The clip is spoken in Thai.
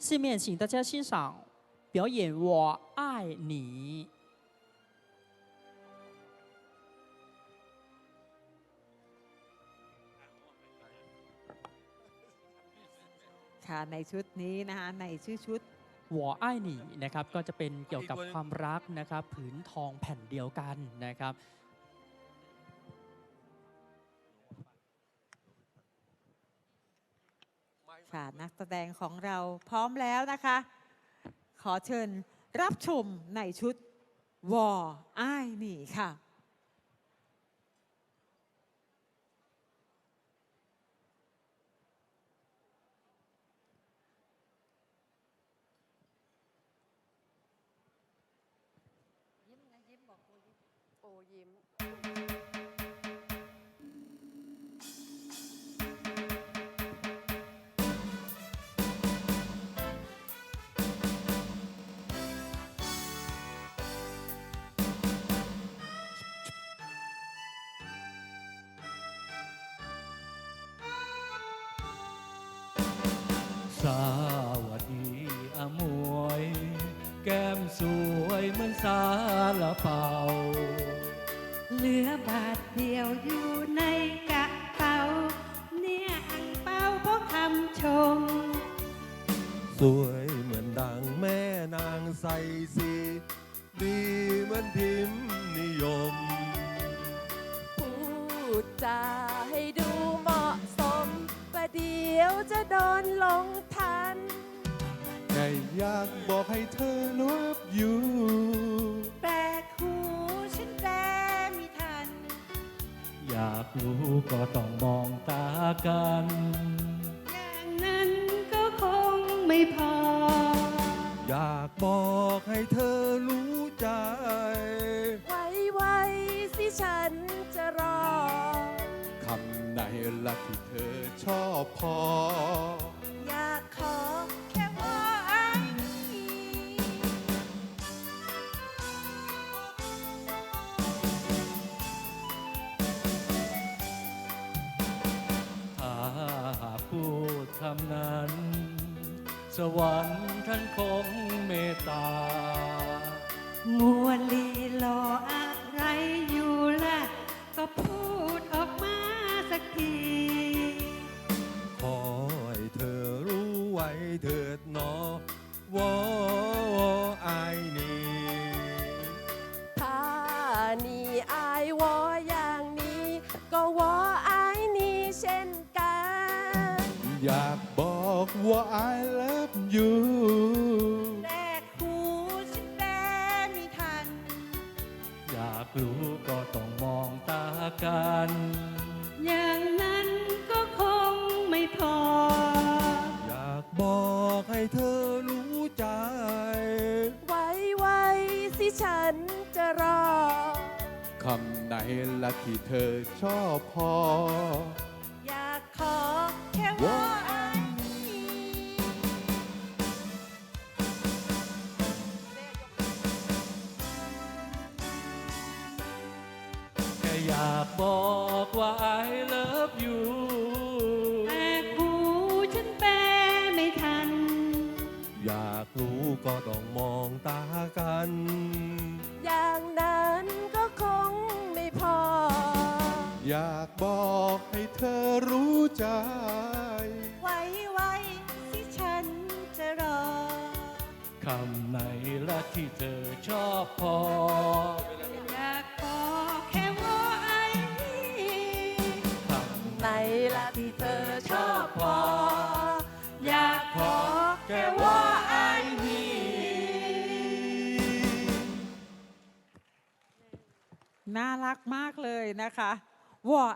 下面请大家欣赏表演《我爱你》。 ค่ะในชุดนี้นะคะในชื่อชุด我爱你นะครับก็จะเป็นเกี่ยวกับความรักนะครับผืนทองแผ่นเดียวกันนะครับค่ะนักแสดงของเราพร้อมแล้วนะคะ ขอเชิญรับชมในชุดวออ้ายหนี่ค่ะยิ้มนะยิ้มบอกโอยิ้มโอยิ้มสวัสดีอมวย แก้มสวยเหมือนสาลาเปาเหลือบาทเดียวอยู่ในกระเป๋าเนี่ยอังเป้าเพราะคำชมสวยเหมือนดังแม่นางใสสีดีเหมือนพิมพ์นิยมพูดจาให้ดูเหมาะสมประเดี๋ยวจะโดนหลงทันแค่อยากบอกให้เธอรู้อยู่แปลกหูฉันแปลไม่ทันอยากรู้ก็ต้องมองตากันอย่างนั้นก็คงไม่พออยากบอกให้เธอรู้ใจไว้สิฉันจะรอคำไหนละที่เธอชอบพออยากขอแค่ว่าอ้ายนี่ถ้าหากพูดคำนั้น สวรรค์ท่านคงเมตตามัวลีรออะไรอยู่ล่ะ ก็พูดออกมาสักทีขอให้เธอรู้ไว้เถิดหนอวออายนี่ถ้านี่อายวออย่างนี้ ก็วออายนี่เช่นกันอยากบอกว่า I love you แรกหูฉันแปลไม่ทันอยากรู้ก็ต้องมองตากันอย่างนั้นก็คงไม่พออยากบอกให้เธอรู้ใจไว้สิฉันจะรอคำไหนละที่เธอชอบพออยากขอแค่ว่าอ้ายนี่แค่อยากบอกว่า I love you แต่หูฉันแปลไม่ทันอยากรู้ก็ต้องมองตากันอย่างนั้นก็คงไม่พออยากบอกให้เธอรู้ใจไว้สิฉันจะรอคำไหนละที่เธอชอบพออยากบอกแค่ว่าไอ้นี่คำไหนละที่เธอชอบพออยากขอแค่ว่าอ้ายนี่น่ารักมากเลยนะคะวอ